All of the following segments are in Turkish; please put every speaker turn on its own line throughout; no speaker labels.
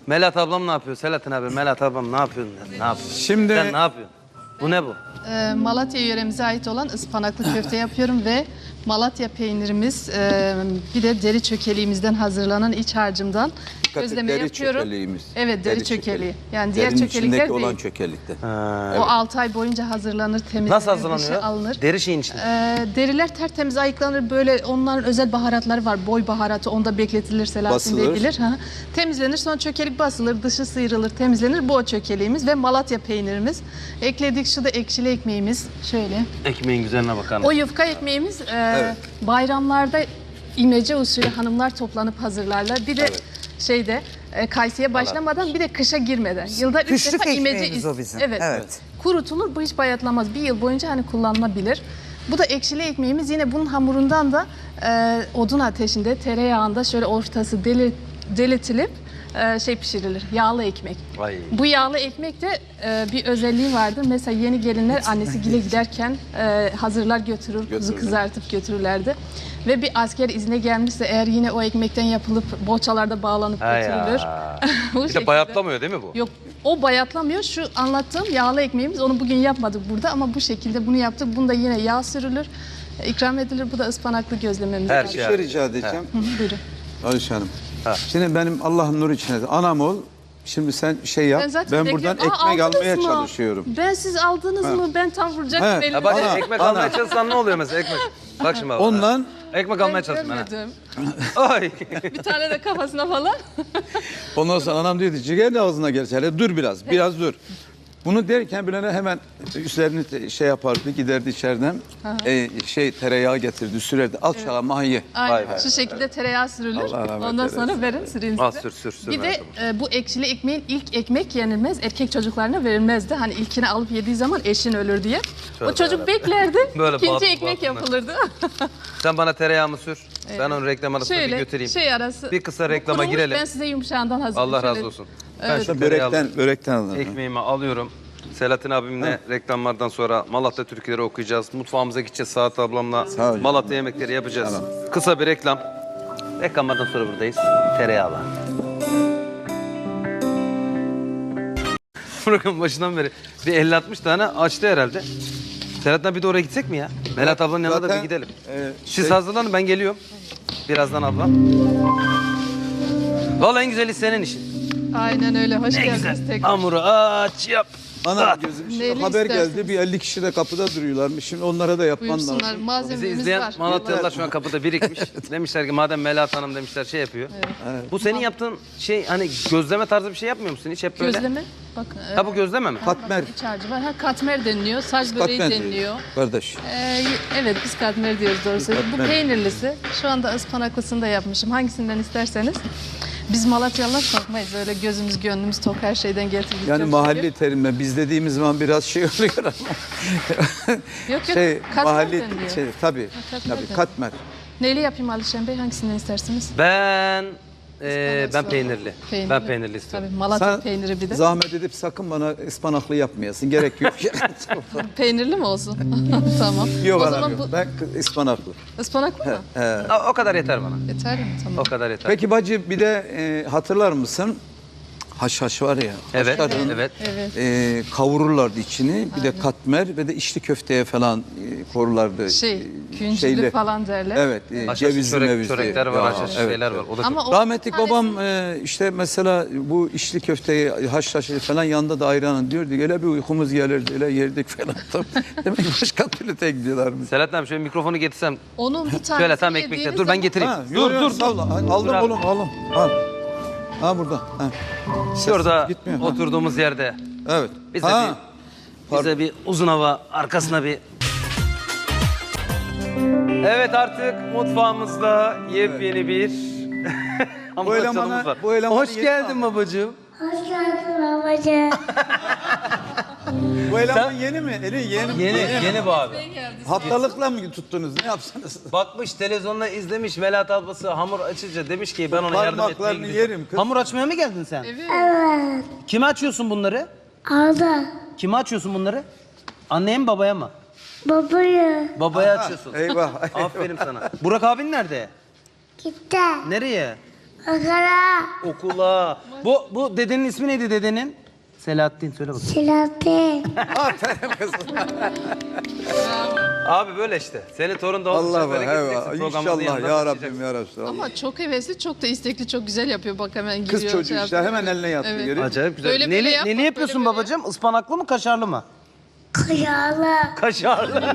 Melahat ablam ne yapıyor? Selahattin abi, Melahat ablam ne yapıyorsun? Ne yapıyorsun?
Şimdi
Sen ne yapıyorsun? Bu ne bu?
Malatya yöremize ait olan ıspanaklı köfte yapıyorum ve Malatya peynirimiz, bir de deri çökeliğimizden hazırlanan iç harcımdan gözleme
deri
yapıyorum.
çökeliğimiz.
Evet, deri çökeliği. Yani diğer
Derinin
çökelikler
içindeki
değil.
olan çökelikte.
O 6 ay boyunca hazırlanır, temizlenir,
Nasıl
dışı
hazırlanıyor?
alınır.
Deri şeyin içinde.
Deriler tertemiz ayıklanır. Böyle onların özel baharatları var. Boy baharatı, onda bekletilir, Selahattin Bey
Basılır.
bilir. Ha. Temizlenir, sonra çökelik basılır, dışı sıyrılır, temizlenir. Bu o çökeliğimiz ve Malatya peynirimiz. Ekledik, şu da ekşili ekmeğimiz. Şöyle.
Ekmeğin güzelliğine bakar
O
mısın?
yufka ekmeğimiz bayramlarda imece usulü hanımlar toplanıp hazırlarlar. Bir de şeyde kaysiye başlamadan bir de kışa girmeden. Yılda 3
Kışlık
defa imece
ekmeğimiz o bizim.
Evet.
Evet.
Kurutulur, bu hiç bayatlamaz. Bir yıl boyunca hani kullanılabilir. Bu da ekşili ekmeğimiz. Yine bunun hamurundan da odun ateşinde, tereyağında şöyle ortası delitilip pişirilir. Yağlı ekmek.
Vay.
Bu yağlı ekmek de bir özelliği vardır. Mesela yeni gelinler annesi gile giderken hazırlar götürür, kuzu kızartıp götürürlerdi. Ve bir asker izne gelmişse eğer yine o ekmekten yapılıp boğçalarda bağlanıp
Ha
götürülür.
ya.
Bu
Bir de
şekilde.
bayatlamıyor değil mi bu?
Yok, o bayatlamıyor. Şu anlattığım yağlı ekmeğimiz, onu bugün yapmadık burada ama bu şekilde bunu yaptık. Bunda yine yağ sürülür, ikram edilir. Bu da ıspanaklı gözlememiz.
Her
var.
Bir
şey.
şey rica edeceğim.
Buyurun.
Ayşe Hanım.
Ha.
Şimdi benim Allah'ın nuru içine anam ol. Şimdi sen şey yap.
zaten
Ben buradan
bekliyorum.
ekmek
aldınız
almaya
mı?
çalışıyorum.
Ben siz aldınız mı? Ben tam vuracaktım
He.
elime.
Ya bak
Ana,
ekmek
ana.
almaya çalışsan ne oluyor mesela ekmek? Bak şimdi bak.
Ondan
Ekmek almaya çalıştım ben.
Görmedim.
Ay.
Bir tane de kafasına falan.
ondan sonra anam dedi ciğer de ağzına gelsin. Hele dur biraz dur. Bunu derken Bülent'e hemen üstlerini şey yapardı, giderdi içeriden. Tereyağı getirdi, sürerdi. Al çala mahiye.
Aynen.
Vay be.
Şu şekilde tereyağı sürülür.
Allah rahmet
Ondan
eylesin.
sonra verin süreyim
Al
size.
sür.
Bir de bu ekşili ekmeğin ilk ekmek yenilmez. Erkek çocuklarına verilmezdi. Hani ilkini alıp yediği zaman eşin ölür diye. O çocuk beklerdi.
Böyle
İkinci
batı-
ekmek
batına.
yapılırdı.
Sen bana tereyağımı sür. Ben onu reklam arasında bir
Şöyle
götüreyim.
şey arası.
Bir kısa
Bu
reklama
kurumuş,
girelim.
Ben size yumuşağından hazırlayayım.
Allah razı
Şöyle-
olsun.
Evet.
Ben şu tereyağlı
Börekten alırım.
ekmeğimi alıyorum. Selahattin abimle reklamlardan sonra Malatya türküleri okuyacağız. Mutfağımıza gideceğiz Saat ablamla.
Sağ ol.
Malatya yemekleri yapacağız. Kısa bir reklam. Reklamlardan sonra buradayız. Tereyağlı. Programın başından beri bir 50-60 tane açtı herhalde. Selahattin abi bir de oraya gitsek mi ya? Melahat ablanın yanına da bir
Zaten,
gidelim.
e,
Siz hazırlanın ben geliyorum. Birazdan abla. Vallahi en güzeli senin işin.
Aynen öyle. Hoş
Ne
geldiniz
güzel.
tekrar.
Hamuru aç yap.
Ana gözüm şimdi
Neyli
haber
istersiniz?
geldi. Bir 50 kişi de kapıda duruyorlarmış. Şimdi onlara da yapman
Buyursunlar.
lazım.
Bizi
Malzememiz
izleyen
var.
Malatyalılar şu an kapıda birikmiş. Demişler ki madem Melahat Hanım demişler şey yapıyor. Bu senin yaptığın şey hani gözleme tarzı bir şey yapmıyor musun hiç hep böyle?
Gözleme. Bak.
Ha bu gözleme mi?
Katmer.
İç harcı var. Ha, katmer deniliyor. Saç böreği
Katmer
deniliyor.
diyor. Kardeş.
Evet biz katmer diyoruz doğrusu. Bu
Katmer.
peynirlisi. Şu anda ıspanaklısını da yapmışım. Hangisinden isterseniz. Biz Malatyalılar korkmayız. Öyle gözümüz gönlümüz tok her şeyden getirdik.
Yani
çok
mahalli
şükür.
terimle biz dediğimiz zaman biraz şey oluyor ama.
Yok, katmer
mahalli
deniliyor.
tabii.
katmer
Tabii
deniliyor.
katmer.
Neyle yapayım Alişan Bey? Hangisinden istersiniz?
Ben
Ispanaklı.
peynirli. Ben peynirli istiyorum.
Tabii Malatya
Sen
peyniri bir de.
zahmet edip sakın bana ıspanaklı yapmayasın. Gerek yok.
Peynirli mi olsun? Tamam.
Yok
O
anam
zaman
yok.
bu
Ben ıspanaklı.
ıspanaklı mı?
O kadar yeter bana.
Yeter mi? Tamam.
O kadar yeter.
Peki bacı bir de hatırlar mısın? Haşhaş var ya.
Evet,
haşhaşın,
evet.
Evet.
Kavururlardı içini. Bir de katmer ve de içli köfteye falan korurlardı.
Küncülü falan derler.
Evet.
Haşhaş
Cevizli mevizli.
çörekler var,
Ya,
haşhaş
evet,
şeyler var.
evet.
O da çok.
Ama o
Rahmetli
tanesi-
babam işte mesela bu içli köfteyi haşhaşı falan yanında da ayranın diyordu. Öyle bir uykumuz gelirdi. Öyle yerdik falan. Demek ki başka türlü tek gidiyorlarmış.
Selahattin abi şöyle mikrofonu getirsem.
Onun bir tanesi
Şöyle tam ekmekler. Dur ben getireyim.
Ha,
Dur.
sağ ol. Aldım
Dur abi.
oğlum aldım. Al. Ha burada. Ha. Ses
Şurada
gitmiyor. Ha.
oturduğumuz yerde
Evet.
bize
Ha.
bize bir uzun hava arkasına bir. Evet artık mutfağımızda yepyeni bir hamur açalımız var.
bu elemanı
Hoş
yeni
geldin babacığım.
Hoş geldin babacığım.
Bu eleman yeni mi? Yeni mi?
Yeni bu abi.
Haftalıkla mı tuttunuz? Ne yapsanız?
Bakmış televizyonda izlemiş Melahat ablası hamur açınca demiş ki ben ona yardım etmeye
Parmaklarını
gidiyorum.
yerim kız.
Hamur açmaya mı geldin sen?
Evet.
Kime açıyorsun bunları?
Aldı.
Kime açıyorsun bunları? Anneye mi babaya mı?
Babayı.
Babaya açıyorsun.
Eyvah.
Aferin sana. Burak abin nerede?
Gitti.
Nereye?
Okula.
Okula. Bu dedenin ismi neydi dedenin? Selahattin söyle bakayım.
Selahattin.
Aferin kızım.
Abi böyle işte. Senin torun da
Allah
olacak.
Allah.
Böyle gideceksin. Programımızın
İnşallah
yanında
ya
başlayacaksın.
Rabbim ya Resulallah.
Ama çok hevesli, çok da istekli, çok güzel yapıyor. Bak hemen giriyor.
Kız çocuğu
şey
işte
yapıyor.
hemen eline yattı.
Evet.
Görüyor musun?
Acayip güzel.
Böyle böyle
neli,
yap,
neli
bak,
yapıyorsun
böyle böyle.
babacığım? Ispanaklı mı kaşarlı mı?
Kayalı.
Kaşarlı.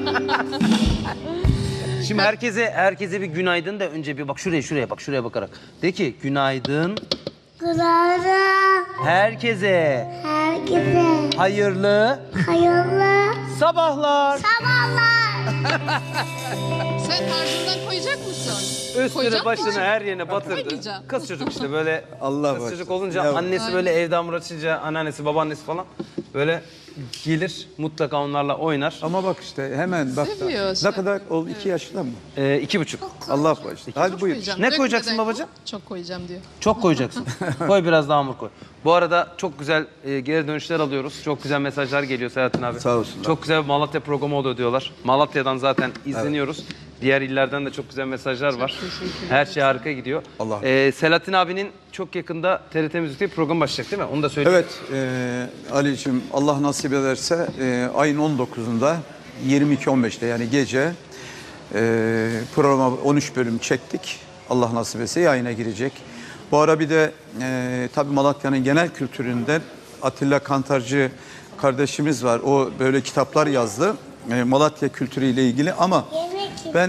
Şimdi herkese bir günaydın da önce bir bak şuraya bak şuraya bakarak. De ki günaydın
Günaydın.
herkese
Herkese
hayırlı
hayırlı
sabahlar.
sabahlar.
Sen tarzından koyacak mısın?
Üstüne
Koyacak
başını
mısın?
her yerine batırdı.
Koymayacağım.
Kız çocuk işte böyle
Allah
kız
başlasın.
çocuk olunca
Ya-
annesi böyle evde hamur açınca anneannesi babaannesi falan böyle gelir mutlaka onlarla oynar.
Ama bak işte hemen bak.
Seviyor,
Ne kadar oldu? 2 yaşında mı?
2,5.
Allah bağışlasın. Hadi
Çok
buyur.
koyacağım.
Ne
Dökmeden
koyacaksın
koy.
babacığım?
Çok koyacağım diyor.
Çok koyacaksın. Koy biraz daha hamur koy. Bu arada çok güzel geri dönüşler alıyoruz. Çok güzel mesajlar geliyor Selahattin abi.
Sağ olsunlar.
Çok güzel bir Malatya programı oluyor diyorlar. Malatya'dan zaten izleniyoruz. Diğer illerden de çok güzel mesajlar var. Her şey harika gidiyor.
Allah.
Selahattin abinin çok yakında TRT Müzik'te bir program başlayacak değil mi? Onu da söyleyeyim.
Evet Ali'cim Allah nasip ederse ayın 19'unda 22.15'te yani gece programa 13 bölüm çektik. Allah nasip etse yayına girecek. Bu ara bir de tabii Malatya'nın genel kültüründen Atilla Kantarcı kardeşimiz var. O böyle kitaplar yazdı. Malatya kültürüyle ilgili ama ben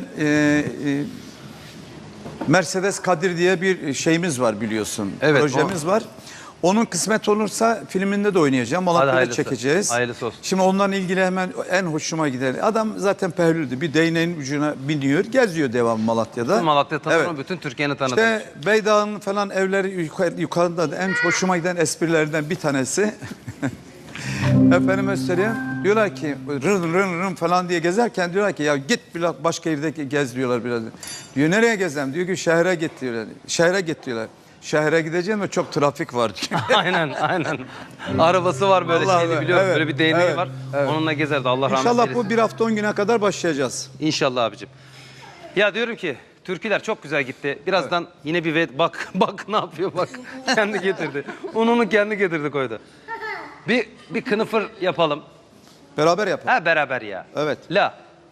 Mercedes Kadir diye bir şeyimiz var biliyorsun.
Evet,
Projemiz var. Onun kısmet olursa filminde de oynayacağım. Malatya'da
hayırlısı.
çekeceğiz.
Hayırlısı olsun.
Şimdi ondan ilgili hemen en hoşuma gider. Adam zaten pehlüldü. Bir değneğin ucuna biniyor. Geziyor devam Malatya'da.
Bütün Malatya tanır
Evet.
mı? Bütün Türkiye'ni tanıdı.
İşte Beydağ'ın falan evleri yukarıda da en hoşuma giden esprilerden bir tanesi. Efendime söyleyeyim. Diyorlar ki rın rın rın falan diye gezerken diyorlar ki ya git biraz başka yerde gez diyorlar biraz. Diyor nereye gezem? Diyor ki şehre git diyorlar. Şehre git diyorlar. Şehre gideceğim ve çok trafik var diyor.
aynen. Arabası var böyle
Vallahi
şeyli biliyorum.
evet,
Böyle bir değneği
evet,
var.
evet.
Onunla gezerdi. Allah rahmet
İnşallah
eylesin.
bu bir hafta 10 güne kadar başlayacağız.
İnşallah abicim. Ya diyorum ki türküler çok güzel gitti. Birazdan yine bir bak ne yapıyor bak. Kendi getirdi. Ununu kendi getirdi koydu. Bir kınıfır yapalım.
Beraber yapalım.
Ha beraber ya.
Evet.
La.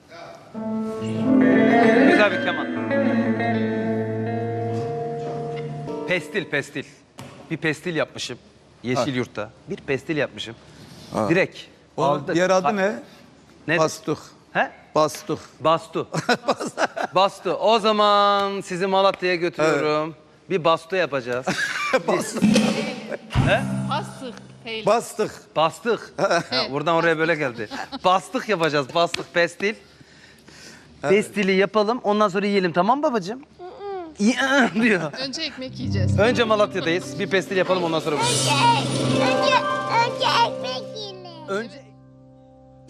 Güzel bir keman. Pestil. Bir pestil yapmışım. Yeşilyurt'ta. Bir pestil yapmışım. Direkt.
O
aldık.
diğer adı ne?
Ne?
Bastuk.
He?
Bastuk.
Bastu. Bastu. O zaman sizi Malatya'ya götürüyorum. Bir bastu yapacağız.
Bastık. Değil.
Bastık.
Bastık. Ha, buradan oraya böyle geldi. Bastık yapacağız. Bastık pestil. Pestili yapalım. Ondan sonra yiyelim tamam babacığım? diyor.
Önce ekmek yiyeceğiz.
Önce Malatya'dayız. Bir pestil yapalım ondan sonra.
Önce ekmek yiyelim.
Önce